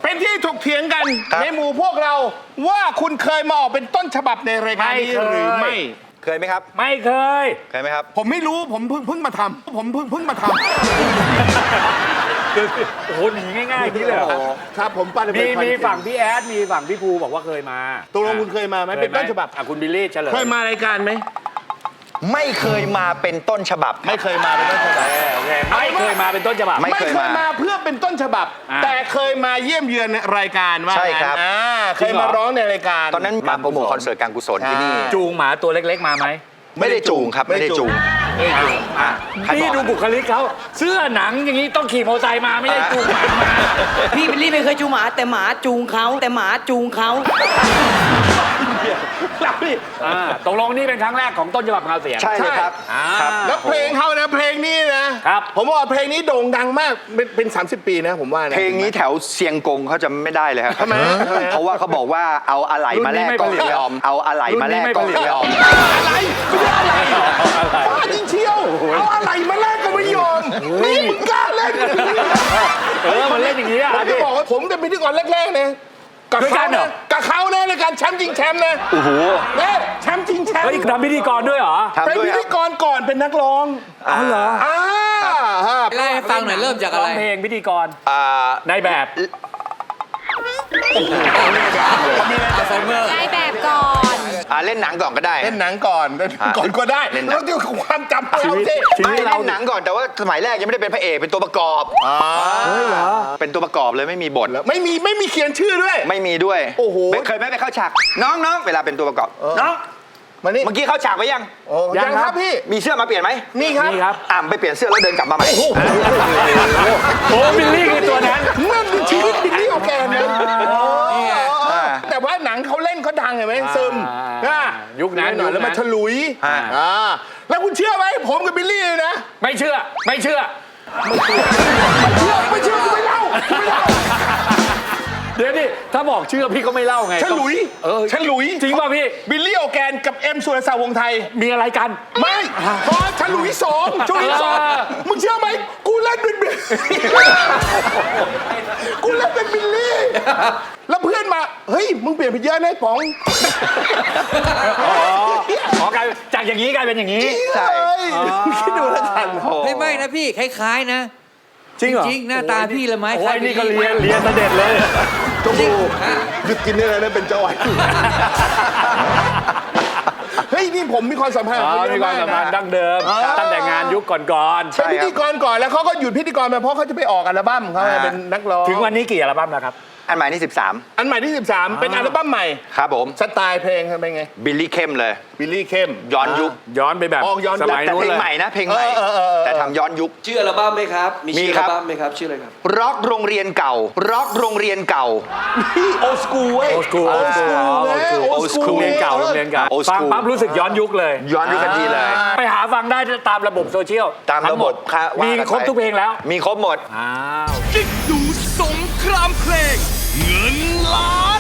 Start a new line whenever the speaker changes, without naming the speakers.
เป็นที่ถกเถียงกันในหมู่พวกเราว่าคุณเคยมาออกเป็นต้นฉบับในรายการนี้หรือไม่
เคยไหมครับ
ไม่เคย
ไหมครับ
ผมไม่รู้ผมเพิ่งมาทำผมเพิ่งมาทำ
โอ้โหหนีง่ายๆนี่เลย
ครับผมป้า
มีฝั่งพี่แอดมีฝั่งพี่ภูบอกว่าเคยมา
ตกลงคุณเคยมาไหมเป็นต้นฉบับ
คุณบิลลี่เฉลย
เคยมารายการไหม
ไม่เคยมาเป็นต้นฉบับ
ไม่เคยมาเป็นต้นฉบับ
ไม่เคยมาเป็นต้นฉบับ
ไม่เคยมาเพื่อเป็นต้นฉบับแต่เคยมาเยี่ยมเยือนรายการว่า
ใช่ครับ
เคยมาร้องในรายการ
ตอนนั้นมาโปรโมทคอนเสิร์ตการกุศลที่นี่
จูงหมาตัวเล็กๆมาไหม
ไม่ได้จูงครับไม่ได้จูง
พี่ดูบุคลิกเขาเสื้อหนังอย่างนี้ต้องขี่มอเตอร์ไซค์มาไม่ได้จูงหมามา
พี่บิลลี่ไม่เคยจูงหมาแต่หมาจูงเขา
ตกลงนี่เป็นครั้งแรกของต้นฉบับข่าวเสียง
ใช่เลยครับ
แล้วเพลงเขานะเพลงนี้นะครับผมว่าเพลงนี้โด่งดังมากเป็น30 ปีนะผมว่า
เพลงนี้แถวเซียงกงเขาจะไม่ได้เลยครับ
ทำไม
เพราะว่าเขาบอกว่าเอาอะไหล่มาแลกก็ไม่ยอมเอาอะไหล่มาแลกก็ไม่ยอม
อะไรไม่ได้อะไรบ้าจริงเชียวเอาอะไรมาแลกก็ไม่ยอมนี่มึงกล้าเล่น
มันเล่นอย่างนี้อ่ะ
ผมจะบอกว่าผมเป็นพิธีกรแรกๆนะกับเขานะในการแชมป์จริงแชมป์นะ
โอ้โห
แชมป์จริงแชมป์
ทำพิธีกรด้วยเหรอ
เป็นพิธีกรก่อนเป็นนักร้อง
อ๋อเหรอ
เล่าให้ฟังหน่อยเริ่มจากอะไร
เพลงพิธีกรในแบบ
ในแบบก่อน
เล่นหนังก่อนก็ได้
เล่นหนังก่อนก็ได้แล้วเดี๋ยวความจำเราสิ
ไม่เล่นหนังก่อนแต่ว่าสมัยแรกยังไม่ได้เป็นพระเอกเป็นตัวประกอบ
เหรอ
เป็นตัวประกอบเลยไม่มีบท
ไม่มีเขียนชื่อด้วย
ไม่มีด้วย
โอ้โห
เคยไหมไปเข้าฉากน้องเวลาเป็นตัวประกอบน้อง
มานี่
เมื่อกี้เข้าฉากไปยัง
ยังครับพี่
มีเสื้อมาเปลี่ยนไหม
นี่ครับ
ไปเปลี่ยนเสื้อแล้วเดินกลับมาใหม่
โอ้บิลลี่คือตัวนั้น
นั่นคือชีวิตบิลลี่โอแกนนะแต่ว่าหนังเขาเล่นเขาดังเห็นไหมซึม
ยุคนั้น
หน่อยแล้วมาฉลุยแล้วคุณเชื่อไหมผมกับบิลลี่นะ
ไม่เชื่อ
ไม่เชื่อกูไม่เล่า
เดี๋ยวดิถ้าบอกเชื่อพี่ก็ไม่เล่าไง
ฉลุย
จริงป่ะพี่
บิลลี่โอแกนกับเอ็มสุรศักดิ์วงศ์ไทย
มีอะไรกัน
ไม่พอฉลุย2ช่วงที่2มึงเชื่อไหมกูเล่นเป็นบิลลี่แล้วเพื่อนมาเฮ้ยมึงเปลี่ยนไปเยอะนะป๋อง
กลายจากอย่างนี้กลายเป็นอย่างนี้
ใช่คิดดูแล้วกัน
ไม่นะพี่คล้ายๆนะ
จริงเหรอ
จริงหน้าตาพี่ละไหม
โอ้ยนี่ก็เรียนเสด็จเลย
จมูกหยุดกินได้แล้วนะเป็นจ้อยเฮ้ยนี่ผมมีความสัมพันธ์
มีความสัมพันธ์ดั้งเดิมตั้งแต่งานยุคก่อน
ๆเป็นพิธีกรก่อนแล้วเขาก็หยุดพิธีกรไปเพราะเขาจะไปออกอัลบั้มเขาเป็นนักร้อง
ถึงวันนี้กี่อัลบั้มแล้วครับ
อันใหม่ที่13
อันใหม่ที่13เป็นอัลบั้มใหม่
ครับผม
สไตล์เพลงเป็นไง
บิลลี่เข้มเลย
บิลลี่เข้ม
ย้อนยุค
ย้อนไปแบบ
สมัยนู้นเลยเพลงใหม่นะเพลงใหม่แต่ทำย้อนยุค
ชื่ออัลบั้มไหมครับมีชื่ออัลบั้มไหมครับชื่ออะไรครับ
ร็อกโรงเรียนเก่า
โอสกูเว้ย
โอสกูโรงเรียนเก่าฟังปั๊บรู้สึกย้อนยุคเลย
ย้อนยุคกันทีเลย
ไปหาฟังได้ตามระบบโซเชียล
ตามระบบ
มีครบทุกเพลงแล้ว
มีครบหมด
จิ๊กดูสงครามเพลงเงินล้าน